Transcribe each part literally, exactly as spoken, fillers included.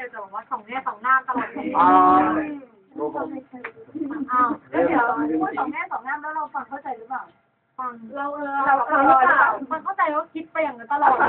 จะบอกว่าสองแง่สองหน้าตลอดเลยอ๋ออ้าวแล้วเดี๋ยวพูดสองแง่สองหน้าแล้วเราฟังเข้าใจหรือเปล่าฟังเราเออเราเราหรือเปล่ามันเข้าใจว่าคิดไปอย่างนั้นตลอด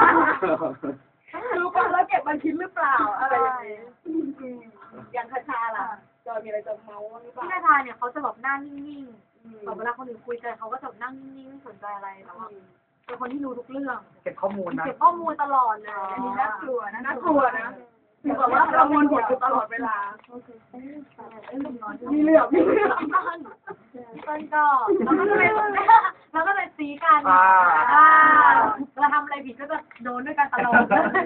รู้ป่ะแล้วเก็บมันคิดหรือเปล่าอะไรอย่างคาชาล่ะจอยมีอะไรจะเมาหรือเปล่าพี่คาชาเนี่ยเขาจะแบบหน้านิ่งๆแบบเวลาคนอื่นคุยกันเขาก็จะนั่งนิ่งๆไม่สนใจอะไรแต่ว่าเป็นคนที่รู้ทุกเรื่องเก็บข้อมูลนะเก็บข้อมูลตลอดเลยอันนี้น่ากลัวนะน่ากลัวนะถือว่าประมวลผลอยู่ตลอดเวลามีเรื่องมีเรื่องต้นก็แล้วก็เลยแล้วก็เลยซีกันเราทำอะไรผิดก็จะโดนด้วยกันตลอด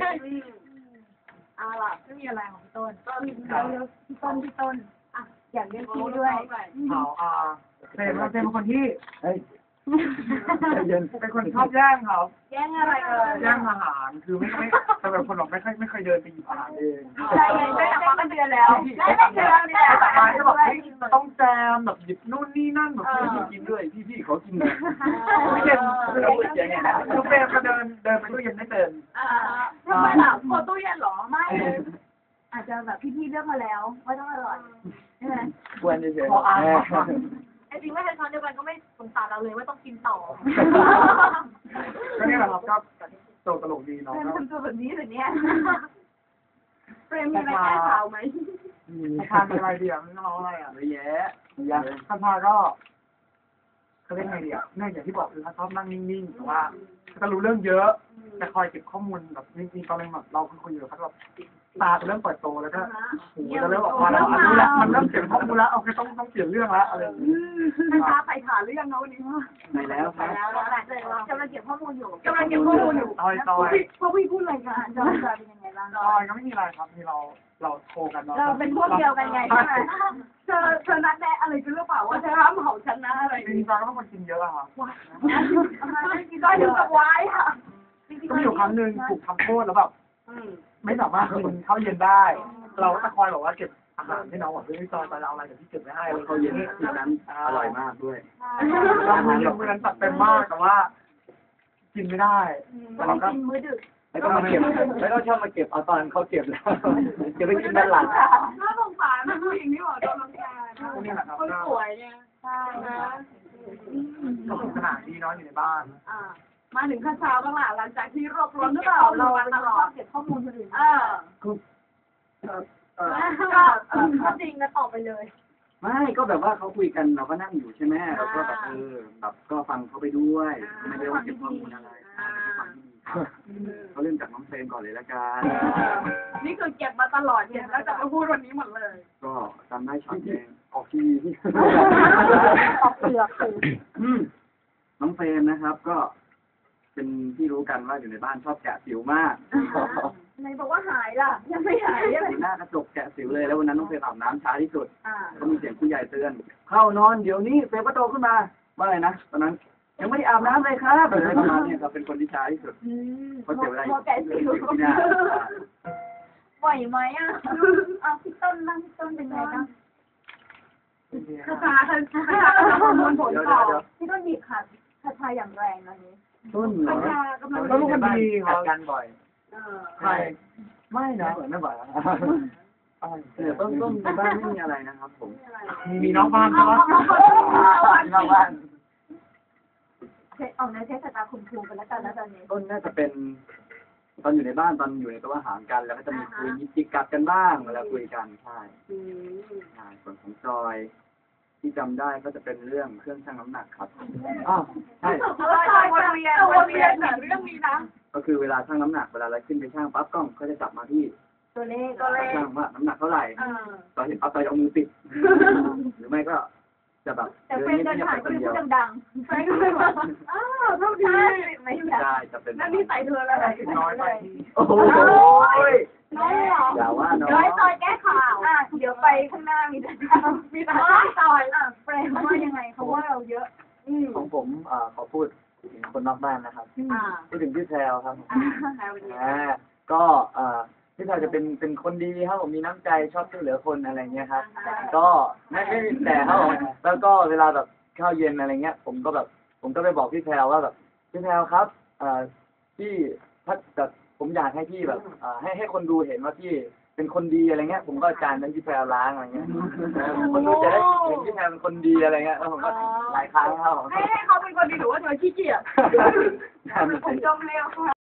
เอาล่ะไม่มีอะไรของพี่ต้นต้นพี่ต้นพี่ต้นอ่ะอยากเรียกพี่ด้วยเขาอ่าเฟรมเราเป็นคนที่เฮ้ยเป็นคนชอบแย่งเขาแย่งอะไรเอ่ยแย่งอาหารคือไม่ไม่แต่เป็นคนหรอกไม่ค่อยไม่เคยเดินไปหยิบอาหารเองใช่ได้แต่มาเป็นเดือนแล้วได้แต่เดือนเนี่ยแต่มาก็แบบต้องแจมแบบหยิบนู่นนี่นั่นแบบพี่กินด้วยพี่พี่เขากินเลยไม่เย็นคือเฟรมก็เดินเดินไปตู้เย็นไม่เดินทำไมล่ะโคตู้เย็นหรอไม่อาจจะแบบพี่ๆเลือกมาแล้วว่าต้องอร่อยใช่ไหมควรจะเฉยไอ้จริงไม่ใช่ช้อนเดียวกันก็ไม่สงสารเราเลยว่าต้องกินต่อก็นี่แหละครับก็โตตลกดีเนาะเป็นคนตัวแบบนี้แบบนี้เฟรมมีอะไรแก้ข่าวไหมทานอะไรเดียวไม่ต้องอะไรอ่ะเยอะแยะอย่างข้าพาก็เขาเรียกไงดีอ่ะเนี่ยอย่างที่บอกคือเขาชอบนั่งนิ่งๆแต่ว่าจะรู้เรื่องเยอะจะคอยเก็บข้อมูลแบบจริงๆตอนนี้แบบเราคุยอยู่เขาแบบตาจะเริ่มเปิดโตแล้วก็หูจะเริ่มออกมาแล้วรู้แล้วมันเริ่มเก็บข้อมูลแล้วโอเคต้องต้องเปลี่ยนเรื่องแล้วอะไรอย่างนี้นะคะไปถามเรื่องนะวันนี้ว่าไปแล้วไปแล้วกำลังเก็บข้อมูลอยู่กำลังเก็บข้อมูลอยู่ตอยตอยพวกพี่พูดอะไรกันจอยจอยเป็นยังไงบ้างตอยก็ไม่มีอะไรครับมีเราเราโทรกันเนาะเราเป็นพวกเดียวกันไงใช่ไหมเธอเธอนัดแนะอะไรกันหรือเปล่าว่าเธอห้ามเผาฉันนะอะไรจริงๆเราก็เป็นคนกินเยอะอะค่ะว้ายกินได้ถึงกับวายค่ะก็มีอยู่ครั้งหนึ่งถูกทำโทษแล้วแบบไม่สามารถกินข้าวเย็นได้ เราก็จะคอยบอกว่าเก็บอาหารให้น้องบอกเฮ้ยจอยไปเอาอะไรเดี๋ยวพี่เก็บไว้ให้ข้าวเย็นที่นั้นอร่อยมากด้วยอาหารเมื่อนั้นตัดเต็มมากแต่ว่ากินไม่ได้เราก็กินมื้อดึกแล้วก็มาเก็บแล้วก็ชอบมาเก็บเอาตอนเขาเก็บแล้วจะไปกินด้านหลังน่าสงสารผู้หญิงที่บอกโดนรังแกคนป่วยเนี่ยใช่นะก็สนุกสนานดีเนาะอยู่ในบ้านมาถึงขั้นเช้าบ้างล่ะหลังจากที่รวบรวมหรือเปล่าเราตลอดเก็บข้อมูลคนอื่นเออคือเออก็จริงนะตอบไปเลยไม่ก็แบบว่าเขาคุยกันเราก็นั่งอยู่ใช่ไหมเราก็แบบเออแบบก็ฟังเขาไปด้วยไม่ได้ว่าเก็บข้อมูลอะไรเขาเริ่มจากน้องเฟรมก่อนเลยละกันนี่คือเก็บมาตลอดเนี่ยแล้วจะมาพูดวันนี้หมดเลยก็จำได้ช็อตเองออกทีวีที่ออกเปลือกน้องเฟรมนะครับก็เป็นที่รู้กันว่าอยู่ในบ้านชอบแกะสิวมากไหนบอกว่าหายล่ะยังไม่หายเลยหน้ากระจกแกะสิวเลยแล้ววันนั้นน้องเฟรมอาบน้ำช้าที่สุดก็มีเสียงผู้ใหญ่เตือนเข้านอนเดี๋ยวนี้เฟรมก็โตขึ้นมาว่าอะไรนะตอนนั้นยังไม่ได้อาบน้ำเลยครับอะไรประมาณนี้ครับเป็นคนที่ช้าที่สุดเพราะเสียเวลาแกะสิวที่หน้าไหวไหมอ่ะเอาพี่ต้นบ้างพี่ต้นเป็นไงบ้างคาชาคาชาประมวลผลต่อพี่ต้นหยิบค่ะคาชาอย่างแรงอันนี้ต้นเหรอแล้วลูกมันดีครับกันบ่อยใครไม่นะไม่บ่อยเนี่ยต้นต้นในบ้านไม่มีอะไรนะครับผมมีน้องบ้านใช่ไหมน้องบ้านเทออกในเทศกาลคุมคุมกันแล้วกันแล้วตอนนี้ต้นน่าจะเป็นตอนอยู่ในบ้านตอนอยู่ในโต๊ะอาหารกันแล้วก็จะมีคุยยิบจิกกัดกันบ้างเวลาคุยกันใช่ใช่ส่วนของจอยที่จำได้ก็จะเป็นเรื่องเครื่องชั่งน้ำหนักครับอ้าวใช่วนเวียนวนเวียนเรื่องนี้นะก็คือเวลาชั่งน้ำหนักเวลาเราขึ้นไปชั่งปั๊บกล้องก็จะจับมาที่ตัวเลขตัวเลขชั่งว่าน้ำหนักเท่าไหร่ตอนเห็นปั๊บไปเอามือปิดหรือไม่ก็จะแบบแต่เฟรนเดินผ่านก็พูดดังๆเฟรนก็เลยว่าอ้าวเท่าดีไม่ได้จะเป็นนั่นนี่ใส่เธอแล้วน้อยไปโอ้โหน้อยเหรออย่าว่าน้อยน้อยซอยแก้ข่าวอ่ะเดี๋ยวไปข้างหน้ามีแต่มีแต่ซอยอ่ะเฟรนว่ายังไงเขาว่าเราเยอะของผมอ่าขอพูดถึงคนนอกบ้านนะครับพูดถึงพี่แพรวครับอ่าก็อ่าพี่แพรวจะเป็นเป็นคนดีครับผมมีน้ำใจชอบช่วยเหลือคนอะไรเงี้ยครับก็ไม่ไม่แต่ครับผมแล้วก็เวลาแบบข้าวเย็นอะไรเงี้ยผมก็แบบผมก็ไปบอกพี่แพรวว่าแบบพี่แพรวครับอ่าพี่ถ้าแบบผมอยากให้พี่แบบอ่าให้ให้คนดูเห็นว่าพี่เป็นคนดีอะไรเงี้ยผมก็จานนั้นพี่แพรวล้างอะไรเงี้ยคนดูจะได้เห็นพี่แพรเป็นคนดีอะไรเงี้ยแล้วผมก็หลายครั้งครับผมให้ให้เขาเป็นคนดีหรือว่าเธอขี้เกียจผมจมเร็วค่ะ